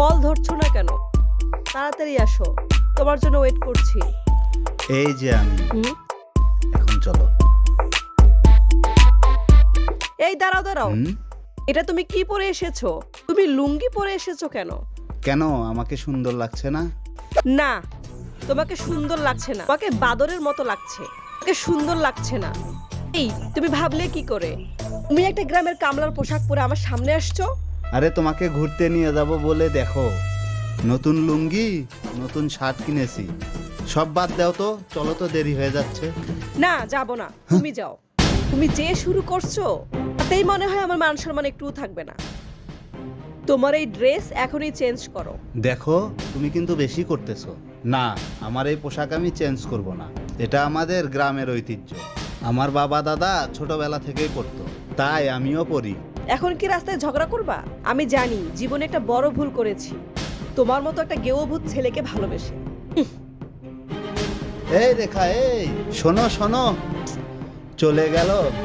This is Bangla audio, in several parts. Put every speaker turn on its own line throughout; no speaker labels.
কল ধরছো না কেন? তাড়াতাড়ি আসো, তোমার জন্য ওয়েট করছি।
এই যে আমি, এখন চলো।
এই দাঁড়াও দাঁড়াও, এটা তুমি কি পরে এসেছো? তুমি লুঙ্গি পরে এসেছো কেন?
কেন, আমাকে সুন্দর লাগছে না?
না, তোমাকে সুন্দর লাগছে না, তোমাকে বাদরের মতো লাগছে। তোমাকে সুন্দর লাগছে না। এই তুমি ভাবলে কি করে? তুমি একটা গ্রামের কামলার পোশাক পরে আমার সামনে আসছো।
আরে তোমাকে ঘুরতে নিয়ে যাব বলে দেখো, নতুন লুঙ্গি নতুন শার্ট কিনেছি। সব বাদ দাও তো, চলো তো, দেরি হয়ে যাচ্ছে।
না, যাব না, তুমি যাও। তুমি যে শুরু করছো তাতেই মনে হয় আমার মান সম্মান একটুও থাকবে না। তোমার এই ড্রেস এখনই চেঞ্জ করো।
দেখো, তুমি কিন্তু বেশি করতেছো। না, আমার এই পোশাক আমি চেঞ্জ করব না। এটা আমাদের গ্রামের ঐতিহ্য। আমার বাবা দাদা ছোটবেলা থেকেই পরতো, তাই আমিও পরি।
এখন কি রাস্তায় ঝগড়া করবা? আমি জানি জীবনে একটা বড় ভুল করেছি, তোমার মতো একটা গেওভূত ছেলেকে ভালোবেসে।
এই রেখা, এই শোনো শোনো, চলে গেল।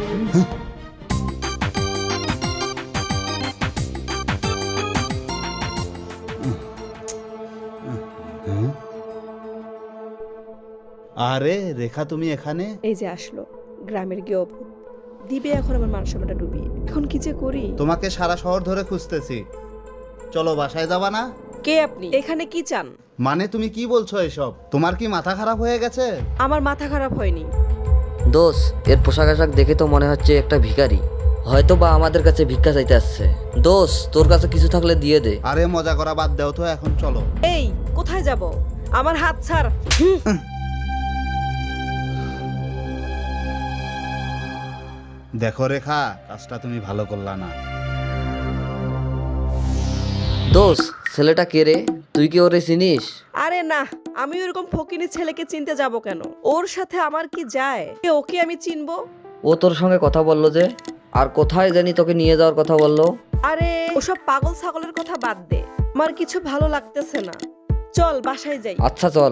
আরে রেখা, তুমি এখানে?
এই যে আসলো গ্রামের গেওভূত, দিবে এখন আমার মান সম্মানটা ডুবিয়ে। এখন কি যে করি?
তোমাকে সারা শহর ধরে খুঁজতেছি। চলো, বাসায় যাবা না?
কে আপনি? এখানে কি চান?
মানে তুমি কি বলছো এসব? তোমার কি মাথা খারাপ হয়ে গেছে?
আমার মাথা খারাপ হয়নি।
দোষ, এর পোশাক আশাক দেখে তো মনে হচ্ছে একটা ভিখারি, হয়তো বা আমাদের কাছে ভিক্ষা চাইতে আসছে। দোষ, তোর কাছে কিছু থাকলে দিয়ে দে।
আরে মজা করা বাদ দাও তো, এখন চলো।
এই কোথায় যাব? আমার হাত ছাড়।
দেখো রেখা, কাজটা তুমি ভালো করলা না।
দোষ, ছেলেটা কে রে? তুই কি ওরে চিনিস?
আরে না, আমি ওরকম ফকিনি ছেলেকে চিনতে যাব কেন? ওর সাথে আমার কি যায়? ওকে আমি চিনবো?
ও তোর সঙ্গে কথা বললো যে, আর কোথায় জানি তোকে নিয়ে যাওয়ার কথা বললো।
আরে ওসব পাগল ছাগলের কথা বাদ দে, আমার কিছু ভালো লাগতেছে না। চল বাসায় যাই।
আচ্ছা চল।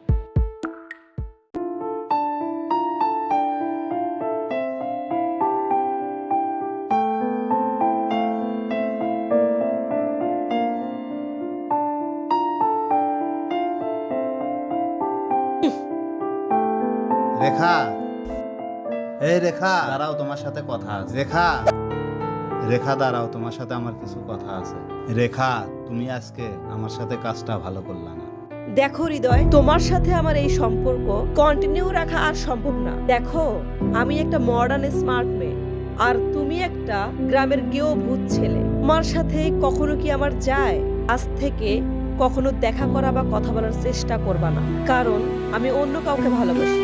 রেখা, এই রেখা দাঁড়াও, তোমার সাথে কথা আছে। রেখা, রেখা দাঁড়াও, তোমার সাথে আমার কিছু কথা আছে। রেখা, তুমি আজকে আমার সাথে কাজটা ভালো করলা না।
দেখো হৃদয়, তোমার সাথে আমার এই সম্পর্ক কন্টিনিউ রাখা আর সম্ভব না। দেখো, আমি একটা মডার্ন স্মার্ট মেয়ে, আর তুমি একটা গ্রামের গেওভূত ছেলে। তোমার সাথে কখনো কি আমার যায়? আজ থেকে কখনো দেখা করা বা কথা বলার চেষ্টা করবা না, কারণ আমি অন্য কাউকে ভালোবাসি।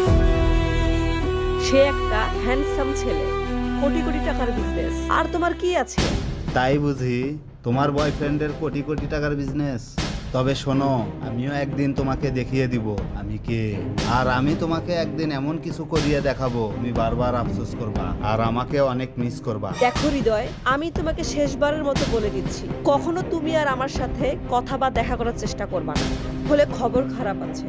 সে একটা হ্যান্ডসাম ছেলে, কোটি কোটি টাকার বিজনেস। আর তোমার কি আছে?
তাই বুঝি তোমার বয়ফ্রেন্ডের কোটি কোটি টাকার বিজনেস? তবে শোনো, আমিও একদিন তোমাকে দেখিয়ে দিব আমি কে। আর আমি তোমাকে একদিন এমন কিছু করিয়ে দেখাবো, তুমি বারবার আফসোস করবা আর আমাকে অনেক মিস করবা।
দেখো হৃদয়, আমি তোমাকে শেষবারের মতো বলে দিচ্ছি, কখনো তুমি আর আমার সাথে কথা বা দেখা করার চেষ্টা করবা না, হলে খবর খারাপ আছে।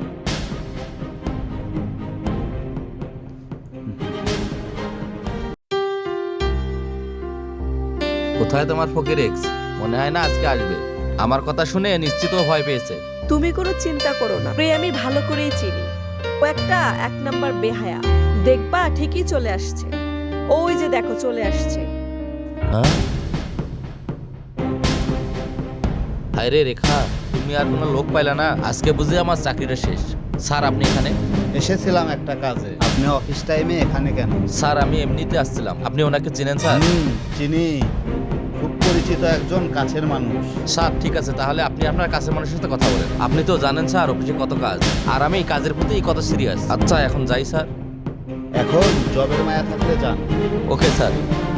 কোথায় তোমার ফকির এক্স? মনে হয় না আজকে আসবে। আমার কথা শুনে নিশ্চিত ও ভয় পেয়েছে।
তুমি কোনো চিন্তা করো না, প্রিয় আমি ভালো করেই চিনি। ও একটা এক নাম্বার বেহায়া, দেখবা ঠিকই চলে আসছে। ওই যে দেখো চলে আসছে।
হ্যাঁ, হায় রে রেখা, তুমি আর কোনো লোক পাইলা না? আজকে বুঝি আমার চাকরিটা শেষ। স্যার, আপনি এখানে?
এসেছিলাম একটা কাজে। আপনি অফিস টাইমে এখানে কেন?
স্যার, আমি এমনিতে আসছিলাম। আপনি ওনাকে চেনেন স্যার?
চিনি, খুব পরিচিত একজন কাছের মানুষ।
স্যার ঠিক আছে, তাহলে আপনি আপনার কাছের মানুষের সাথে কথা বলেন। আপনি তো জানেন স্যার অফিসে কত কাজ, আর আমি এই কাজের প্রতি কত সিরিয়াস। আচ্ছা, এখন যাই স্যার।
এখন জবের মায়া থাকলে যান।
Okay sir.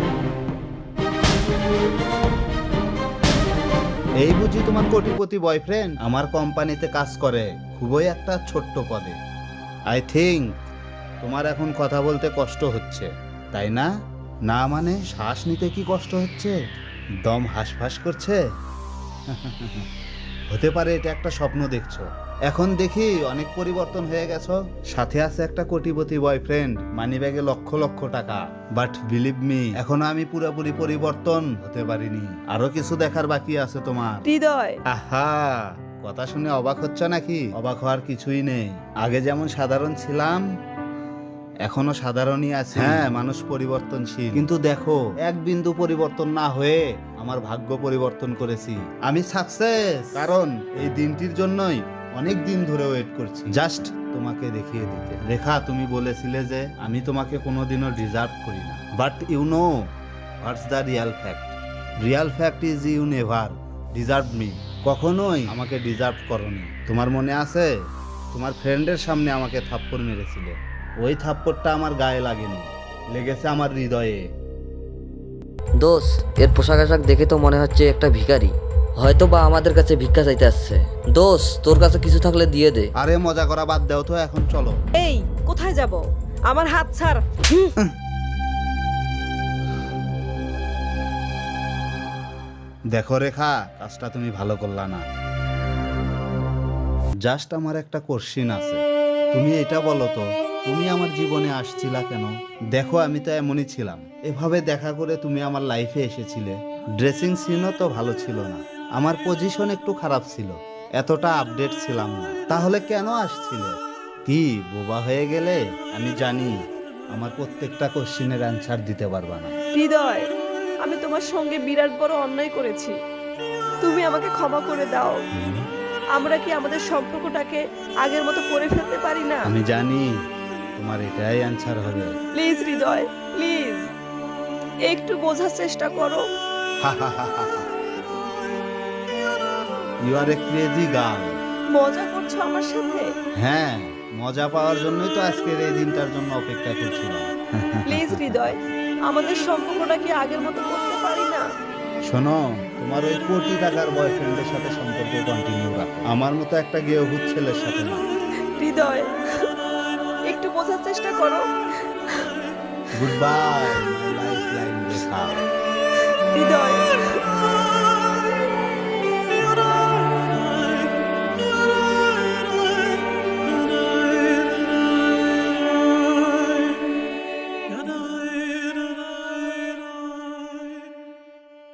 এই বুঝি তোমার কোটিপতি বয়ফ্রেন্ড? আমার কোম্পানিতে কাজ করে, খুবই একটা ছোট্ট পদে। আই থিঙ্ক তোমার এখন কথা বলতে কষ্ট হচ্ছে, তাই না? না মানে শ্বাস নিতে কি কষ্ট হচ্ছে? দম হাঁসফাঁস করছে? হতে পারে এটা একটা স্বপ্ন দেখছো। এখন দেখি অনেক পরিবর্তন হয়ে গেছো। সাথে আছে একটা কোটিপতি বয়ফ্রেন্ড, মানিব্যাগে লক্ষ লক্ষ টাকা। বাট বিলিভ মি, এখনো আমি পুরোপুরি পরিবর্তন হতে পারিনি। আরো কিছু দেখার বাকি আছে তোমার।
হৃদয়,
আহা, কথা শুনে অবাক হচ্ছ নাকি? অবাক হওয়ার কিছুই নেই। আগে যেমন সাধারণ ছিলাম, এখনো সাধারণই আছে। হ্যাঁ, মানুষ পরিবর্তনশীল, কিন্তু দেখো এক বিন্দু পরিবর্তন না হয়ে আমার ভাগ্য পরিবর্তন করেছি। আমি সাকসেস, কারণ এই দিনটির জন্যই অনেক দিন ধরে ওয়েট করছি, জাস্ট তোমাকে দেখিয়ে দিতে। রেখা, তুমি বলেছিলে যে আমি তোমাকে কোনোদিনও ডিজার্ভ করি না, but you know what's the real fact. Real fact is you never deserve me. কখনোই আমাকে ডিজার্ভ করনি। তোমার মনে আছে, তোমার ফ্রেন্ডের সামনে আমাকে থাপ্পড় মেরেছিলে। ওই থাপ্পড়টা আমার গায়ে লাগেনি, লেগেছে আমার হৃদয়ে।
দোস্ত, এর পোশাক আশাক দেখে তো মনে হচ্ছে একটা ভিখারি, হয়তো বা আমাদের কাছে ভিক্ষা চাইতে আসছে। দোস্ত, তোর কাছে কিছু থাকলে দিয়ে দে।
আরে মজা করা বাদ দাও তো, এখন চলো।
এই কোথায় যাব? আমার হাত ছাড়। হুম।
দেখো রেখা, কাজটা তুমি ভালো করলা না। জাস্ট আমার একটা কোশ্চিন আছে, তুমি এটা বলো তো, তুমি আমার জীবনে আসছিলা কেন? দেখো, আমি তো এমনই ছিলাম। এভাবে দেখা করে তুমি আমার লাইফে এসেছিলে। ড্রেসিং সিনও তো ভালো ছিল না, আমার পজিশন একটু খারাপ ছিল, এতটা আপডেট ছিলাম না। তাহলে কেন আসছিলে? কি বোবা হয়ে গেলে? আমি জানি আমার প্রত্যেকটা কোশ্চিনের অ্যান্সার দিতে পারবা না।
হৃদয়, আমি তোমার সঙ্গে বিরাট বড় অন্যায় করেছি, তুমি আমাকে ক্ষমা করে দাও। আমরা কি আমাদের সম্পর্কটাকে আগের মতো করে ফেলতে পারি না?
আমি জানি তোমার এটাই অ্যান্সার হবে।
প্লিজ হৃদয়, প্লিজ একটু বোঝার চেষ্টা করো।
You are a crazy girl.
মজা করছো আমার সাথে?
হ্যাঁ, মজা পাওয়ার জন্যই তো আজকের এই দিনটার জন্য অপেক্ষা করছিলাম।
প্লিজ হৃদয়, আমাদের সম্পর্কটা কি আগের মতো করতে পারি না?
শোনো, তোমার ওই কোটি টাকার বয়ফ্রেন্ডের সাথে সম্পর্ক কন্টিনিউ রাখো, আমার মতো একটা গেয়ভূত ছেলের সাথে না।
হৃদয়, একটু বোঝার চেষ্টা করো।
Good bye my life line Rekha.
Hridoy.